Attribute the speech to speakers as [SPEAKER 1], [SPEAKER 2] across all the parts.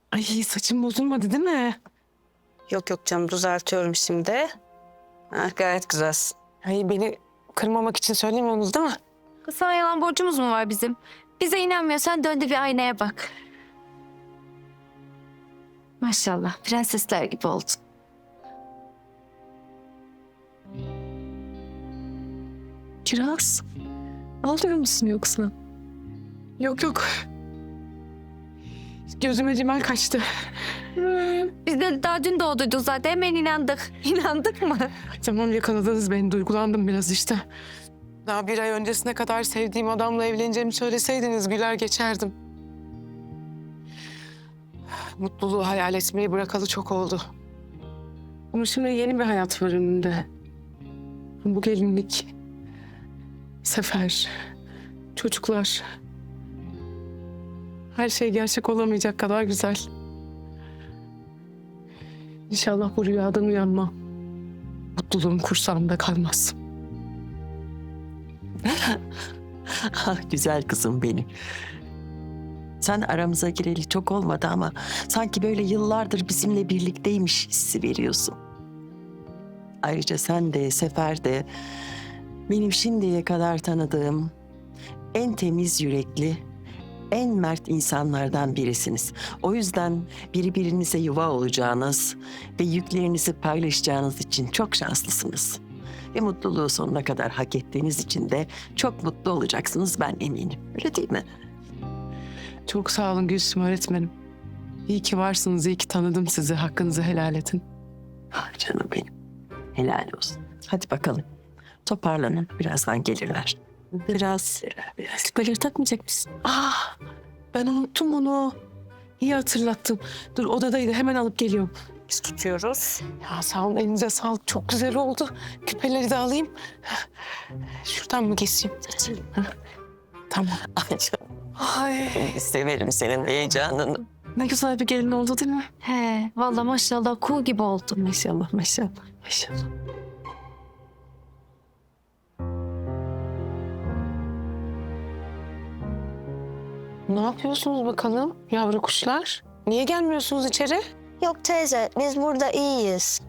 [SPEAKER 1] Ay saçım bozulmadı değil mi?
[SPEAKER 2] Yok yok canım, düzeltiyorum şimdi. Ha, gayet güzelsin.
[SPEAKER 1] Ay beni kırmamak için söylemiyorsunuz değil mi?
[SPEAKER 3] Kız sana yalan borcumuz mu var bizim? Bize inanmıyorsan dön de bir aynaya bak. Maşallah prensesler gibi oldun.
[SPEAKER 1] Kiraz. Ağlıyor musun yoksa? Yok yok. Gözüme rimel kaçtı.
[SPEAKER 3] Biz de daha dün doğduyduk zaten hemen inandık. İnandık mı?
[SPEAKER 1] Tamam yakaladınız beni. Duygulandım biraz işte. Daha bir ay öncesine kadar sevdiğim adamla evleneceğimi söyleseydiniz güler geçerdim. Mutluluğu hayal etmeyi bırakalı çok oldu. Ama şimdi yeni bir hayat var önümde. Bu gelinlik, Sefer, çocuklar. Her şey gerçek olamayacak kadar güzel. İnşallah bu rüyadan uyanmam. Mutluluğum kursağımda kalmaz.
[SPEAKER 4] Ah, güzel kızım benim. Sen aramıza gireli çok olmadı ama sanki böyle yıllardır bizimle birlikteymiş hissi veriyorsun. Ayrıca sen de Sefer de benim şimdiye kadar tanıdığım en temiz yürekli, en mert insanlardan birisiniz. O yüzden birbirinize yuva olacağınız ve yüklerinizi paylaşacağınız için çok şanslısınız. Ve mutluluğu sonuna kadar hak ettiğiniz için de çok mutlu olacaksınız, ben eminim. Öyle değil mi?
[SPEAKER 1] Çok sağ olun Gülsüm öğretmenim. İyi ki varsınız, iyi ki tanıdım sizi. Hakkınızı helal edin.
[SPEAKER 4] Ah canım benim. Helal olsun. Hadi bakalım. Toparlanın. Birazdan gelirler.
[SPEAKER 1] Biraz küpeleri takmayacak mısın? Ah, ben unuttum onu. İyi hatırlattın. Dur odadaydı, hemen alıp geliyorum.
[SPEAKER 2] Biz tutuyoruz.
[SPEAKER 1] Ya sağ olun, elinize sağlık. Çok güzel oldu. Küpeleri de alayım. Şuradan mı keseyim? Tamam.
[SPEAKER 4] Ay canım.
[SPEAKER 1] Ay,
[SPEAKER 4] Severim senin heyecanını.
[SPEAKER 1] ne güzel bir gelin oldu değil mi?
[SPEAKER 3] He vallahi maşallah kuğu gibi oldun.
[SPEAKER 1] Maşallah, maşallah, maşallah. Ne yapıyorsunuz bakalım yavru kuşlar? Niye gelmiyorsunuz içeri?
[SPEAKER 5] Yok teyze, biz burada iyiyiz.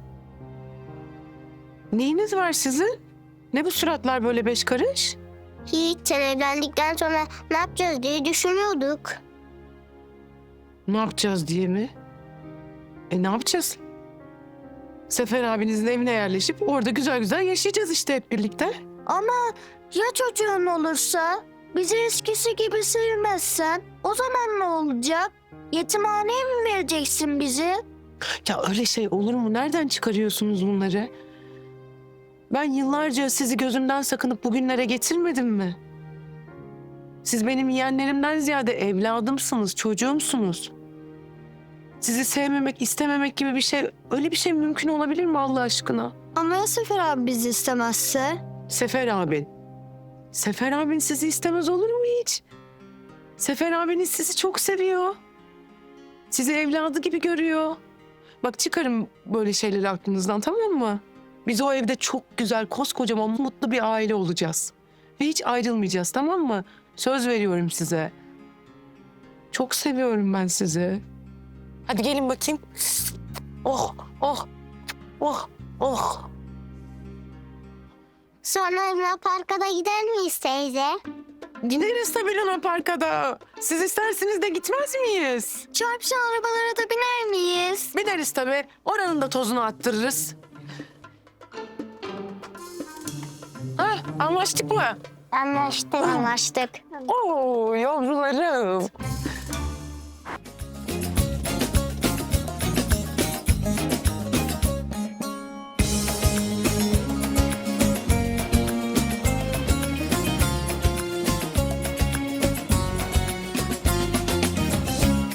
[SPEAKER 1] Neyiniz var sizin? Ne bu suratlar böyle beş karış?
[SPEAKER 5] Hiç, sen evlendikten sonra ne yapacağız diye düşünüyorduk.
[SPEAKER 1] Ne yapacağız diye mi? Ne yapacağız? Sefer abinizin evine yerleşip orada güzel güzel yaşayacağız işte hep birlikte.
[SPEAKER 5] Ama ya çocuğun olursa, bizi eskisi gibi sevmezsen, o zaman ne olacak? Yetimhaneye mi vereceksin bizi?
[SPEAKER 1] Ya öyle şey olur mu? Nereden çıkarıyorsunuz bunları? Ben yıllarca sizi gözümden sakınıp bugünlere getirmedim mi? Siz benim yeğenlerimden ziyade evladımsınız, çocuğumsunuz. Sizi sevmemek, istememek gibi bir şey, öyle bir şey mümkün olabilir mi Allah aşkına?
[SPEAKER 5] Ama ya Sefer abi bizi istemezse?
[SPEAKER 1] Sefer abin. Sefer abin sizi istemez olur mu hiç? Sefer abiniz sizi çok seviyor. Sizi evladı gibi görüyor. Bak çıkarın böyle şeyleri aklınızdan, tamam mı? Biz o evde çok güzel, koskocaman, mutlu bir aile olacağız. Ve hiç ayrılmayacağız, tamam mı? Söz veriyorum size. Çok seviyorum ben sizi. Hadi gelin bakayım. Oh, oh, oh, oh.
[SPEAKER 5] Sonra Luna Park'a da gider miyiz teyze?
[SPEAKER 1] Gideriz tabii Luna Park'a da. Siz isterseniz de gitmez miyiz?
[SPEAKER 5] Çarpışan arabalara da biner miyiz?
[SPEAKER 1] Bineriz tabii. Oranın da tozunu attırırız. Ha, anlaştık mı?
[SPEAKER 5] Anlaştık.
[SPEAKER 1] Oo yavrularım.